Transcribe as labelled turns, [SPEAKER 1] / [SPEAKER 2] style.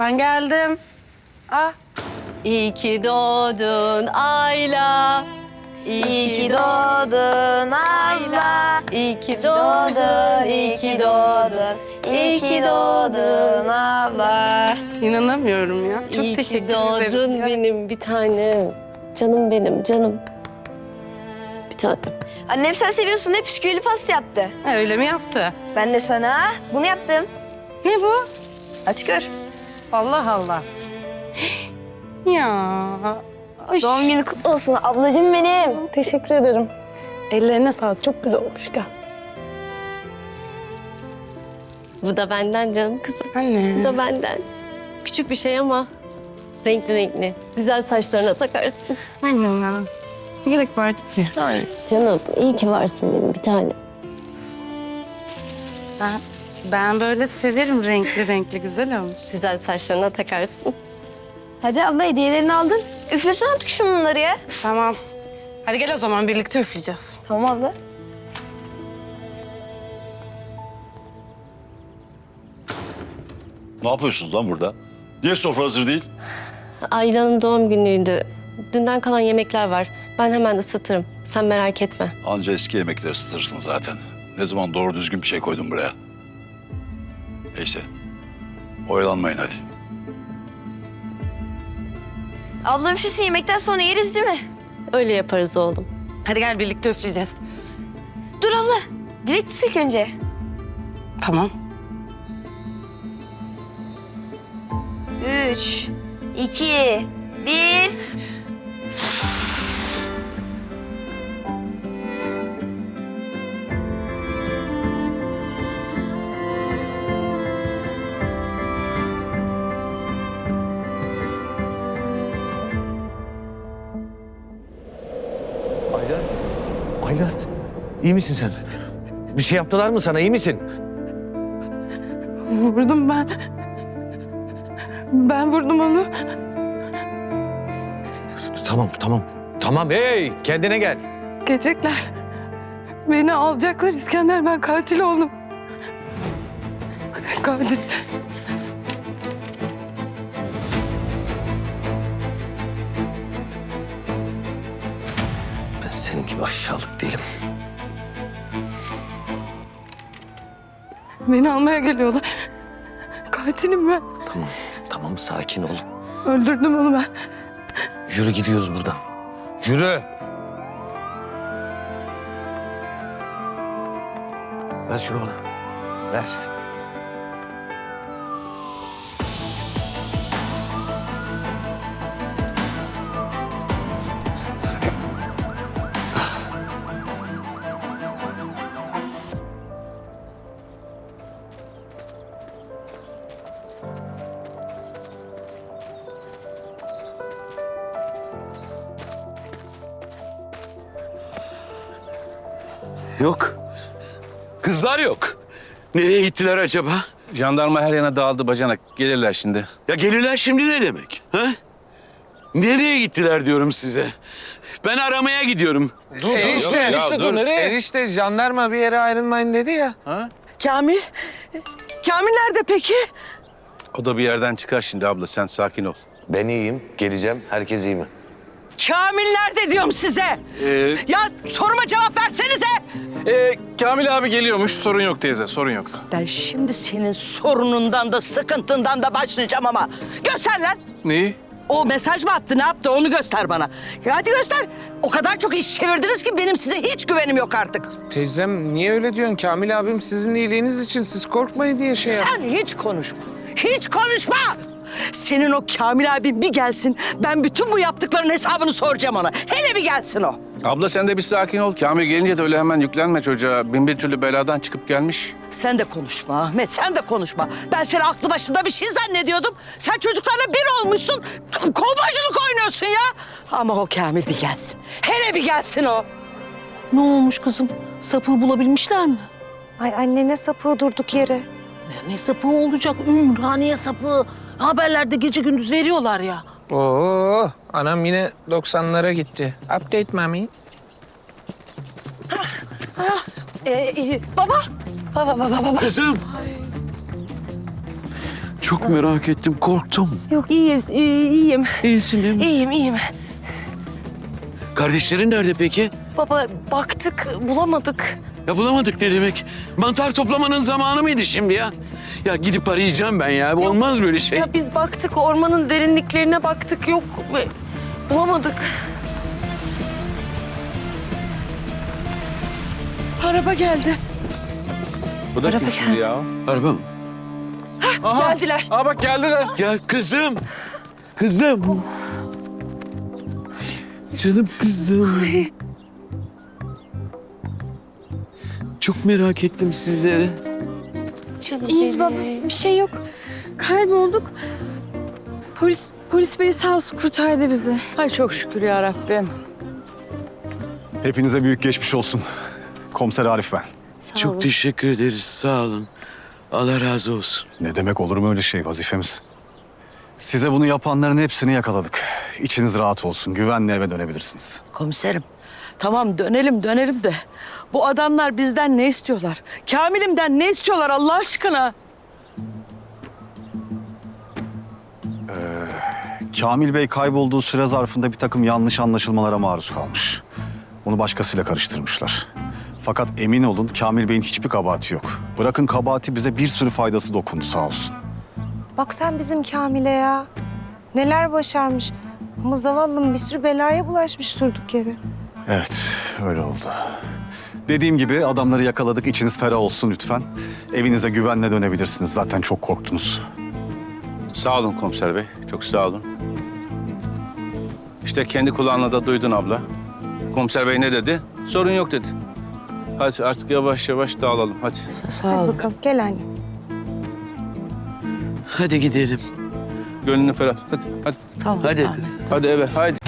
[SPEAKER 1] Ben geldim. Ah.
[SPEAKER 2] İyi ki doğdun Ayla.
[SPEAKER 3] İyi ki doğdun abla.
[SPEAKER 2] İyi ki doğdun, iyi ki doğdun.
[SPEAKER 3] İyi ki doğdun abla.
[SPEAKER 1] İnanamıyorum ya. Çok
[SPEAKER 2] İyi ki
[SPEAKER 1] teşekkür
[SPEAKER 2] doğdun
[SPEAKER 1] ederim.
[SPEAKER 2] benim bir tanem. Canım benim, canım. Bir tanem.
[SPEAKER 3] Annem sen seviyorsun diye bisküvili pasta yaptı.
[SPEAKER 1] Ha, öyle mi yaptı?
[SPEAKER 3] Ben de sana bunu yaptım.
[SPEAKER 1] Ne bu?
[SPEAKER 3] Aç gör.
[SPEAKER 1] Allah Allah. Ya. Ay.
[SPEAKER 3] Doğum günü kutlu olsun ablacığım benim.
[SPEAKER 1] Teşekkür ederim. Ellerine sağlık. Çok güzel olmuş. Gel.
[SPEAKER 2] Bu da benden canım kızım. Bu
[SPEAKER 1] Anne.
[SPEAKER 2] da benden. Küçük bir şey ama renkli renkli. Güzel saçlarına takarsın.
[SPEAKER 1] Aynen ya. Ne gerek var ki?
[SPEAKER 2] Canım iyi ki varsın benim bir tane.
[SPEAKER 1] Ben böyle severim renkli renkli. Güzel olmuş.
[SPEAKER 2] Güzel saçlarına takarsın.
[SPEAKER 3] Hadi abla hediyelerini aldın. Üflesene artık şunları ya.
[SPEAKER 1] Tamam. Hadi gel o zaman birlikte üfleyeceğiz.
[SPEAKER 3] Tamam abla.
[SPEAKER 4] Ne yapıyorsunuz lan burada? Niye sofra hazır değil?
[SPEAKER 2] Ayla'nın doğum günüydü. Dünden kalan yemekler var. Ben hemen ısıtırım. Sen merak etme.
[SPEAKER 4] Anca eski yemekleri ısıtırsın zaten. Ne zaman doğru düzgün bir şey koydum buraya. Neyse. Oyalanmayın hadi.
[SPEAKER 3] Abla üflesin yemekten sonra yeriz değil mi?
[SPEAKER 2] Öyle yaparız oğlum.
[SPEAKER 1] Hadi gel birlikte üfleyeceğiz.
[SPEAKER 3] Dur abla. Dilek tut ilk önce.
[SPEAKER 1] Tamam.
[SPEAKER 3] 3, 2, 1.
[SPEAKER 5] Ayla. Ayla. İyi misin sen? Bir şey yaptılar mı sana? İyi misin?
[SPEAKER 1] Vurdum ben. Ben vurdum onu.
[SPEAKER 5] Tamam, tamam. Tamam, hey! Kendine gel.
[SPEAKER 1] Gelecekler. Beni alacaklar İskender. Ben katil oldum. Katil.
[SPEAKER 5] Ben senin gibi aşağılık değilim.
[SPEAKER 1] Beni almaya geliyorlar. Katilim ben.
[SPEAKER 5] Tamam, tamam. Sakin ol.
[SPEAKER 1] Öldürdüm onu ben.
[SPEAKER 5] Yürü gidiyoruz buradan. Yürü! Ver şunu bana. Ver.
[SPEAKER 6] Yok. Kızlar yok. Nereye gittiler acaba?
[SPEAKER 7] Jandarma her yana dağıldı bacanak. Gelirler şimdi.
[SPEAKER 6] Ya gelirler şimdi ne demek? Ha? Nereye gittiler diyorum size. Ben aramaya gidiyorum.
[SPEAKER 8] Enişte dur nereye? Enişte jandarma bir yere ayrılmayın dedi ya.
[SPEAKER 9] Kamil? Kamil nerede peki?
[SPEAKER 7] O da bir yerden çıkar şimdi abla. Sen sakin ol.
[SPEAKER 5] Ben iyiyim. Geleceğim. Herkes iyi mi?
[SPEAKER 9] Kamil nerede diyorum size? Ya soruma cevap versenize.
[SPEAKER 8] Kamil abi geliyormuş. Sorun yok teyze, sorun yok.
[SPEAKER 9] Ben şimdi senin sorunundan da sıkıntından da başlayacağım ama. Göster lan.
[SPEAKER 8] Neyi?
[SPEAKER 9] O mesaj mı attı, ne yaptı onu göster bana. Ya hadi göster. O kadar çok iş çevirdiniz ki benim size hiç güvenim yok artık.
[SPEAKER 8] Teyzem niye öyle diyorsun? Kamil abim sizin iyiliğiniz için siz korkmayın diye şey yap.
[SPEAKER 9] Sen hiç konuşma. Hiç konuşma. Senin o Kamil abin bir gelsin. Ben bütün bu yaptıkların hesabını soracağım ona. Hele bir gelsin o.
[SPEAKER 7] Abla sen de bir sakin ol. Kamil gelince de öyle hemen yüklenme çocuğa. Bin bir türlü beladan çıkıp gelmiş.
[SPEAKER 9] Sen de konuşma Ahmet, sen de konuşma. Ben seni aklı başında bir şey zannediyordum. Sen çocuklarla bir olmuşsun. Kovboyculuk oynuyorsun ya. Ama o Kamil bir gelsin. Hele bir gelsin o.
[SPEAKER 10] Ne olmuş kızım? Sapığı bulabilmişler mi?
[SPEAKER 11] Ay anne ne sapığı durduk yere.
[SPEAKER 10] Ne sapığı olacak? Ümraniye sapığı. Haberlerde gece gündüz veriyorlar ya.
[SPEAKER 8] Oo, anam yine 90'lara gitti. Update mami.
[SPEAKER 10] Baba.
[SPEAKER 6] Kızım. Çok merak ettim, korktum.
[SPEAKER 1] Yok iyiyiz, iyiyim.
[SPEAKER 6] İyisin değil mi?
[SPEAKER 1] İyiyim.
[SPEAKER 6] Kardeşlerin nerede peki?
[SPEAKER 1] Baba baktık, bulamadık.
[SPEAKER 6] Ya bulamadık ne demek? Mantar toplamanın zamanı mıydı şimdi ya? Ya gidip arayacağım ben ya. Olmaz böyle şey.
[SPEAKER 1] Ya biz baktık, ormanın derinliklerine baktık, yok. Bulamadık.
[SPEAKER 9] Araba geldi.
[SPEAKER 7] Bu da
[SPEAKER 1] Araba
[SPEAKER 7] kim şimdi
[SPEAKER 1] geldi.
[SPEAKER 7] ya?
[SPEAKER 6] Araba mı?
[SPEAKER 1] Geldiler.
[SPEAKER 7] Aa bak geldiler.
[SPEAKER 6] Ya kızım. Kızım. Canım kızım. Çok merak ettim sizleri.
[SPEAKER 1] Canım
[SPEAKER 3] İyiyiz baba. Bir şey yok. Kaybolduk. Polis bey sağ olsun kurtardı bizi.
[SPEAKER 9] Ay çok şükür ya Rabbim.
[SPEAKER 12] Hepinize büyük geçmiş olsun. Komiser Arif ben.
[SPEAKER 1] Sağ
[SPEAKER 6] Çok
[SPEAKER 1] olun.
[SPEAKER 6] teşekkür ederiz. Sağ olun. Allah razı olsun.
[SPEAKER 12] Ne demek, olur mu öyle şey, vazifemiz. Size bunu yapanların hepsini yakaladık. İçiniz rahat olsun. Güvenle eve dönebilirsiniz.
[SPEAKER 9] Komiserim, tamam dönelim de bu adamlar bizden ne istiyorlar? Kamil'imden ne istiyorlar Allah aşkına?
[SPEAKER 12] Kamil Bey kaybolduğu süre zarfında bir takım yanlış anlaşılmalara maruz kalmış. Onu başkasıyla karıştırmışlar. Fakat emin olun Kamil Bey'in hiçbir kabahati yok. Bırakın kabahati, bize bir sürü faydası dokundu sağ olsun.
[SPEAKER 11] Bak sen bizim Kamil'e ya. Neler başarmış. Ama zavallım bir sürü belaya bulaşmış durduk yere.
[SPEAKER 12] Evet, öyle oldu. Dediğim gibi adamları yakaladık. İçiniz ferah olsun lütfen. Evinize güvenle dönebilirsiniz. Zaten çok korktunuz.
[SPEAKER 7] Sağ olun komiser bey. Çok sağ olun. İşte kendi kulağınla da duydun abla. Komiser bey ne dedi? Sorun yok dedi. Hadi artık yavaş yavaş dağılalım hadi.
[SPEAKER 9] Sağ
[SPEAKER 11] Hadi
[SPEAKER 9] ol.
[SPEAKER 11] bakalım gel anne.
[SPEAKER 6] Hadi gidelim.
[SPEAKER 7] Gönlünü ferah. Hadi hadi.
[SPEAKER 9] Tamam.
[SPEAKER 6] Hadi
[SPEAKER 9] Ahmet.
[SPEAKER 6] kız.
[SPEAKER 7] Hadi eve hadi.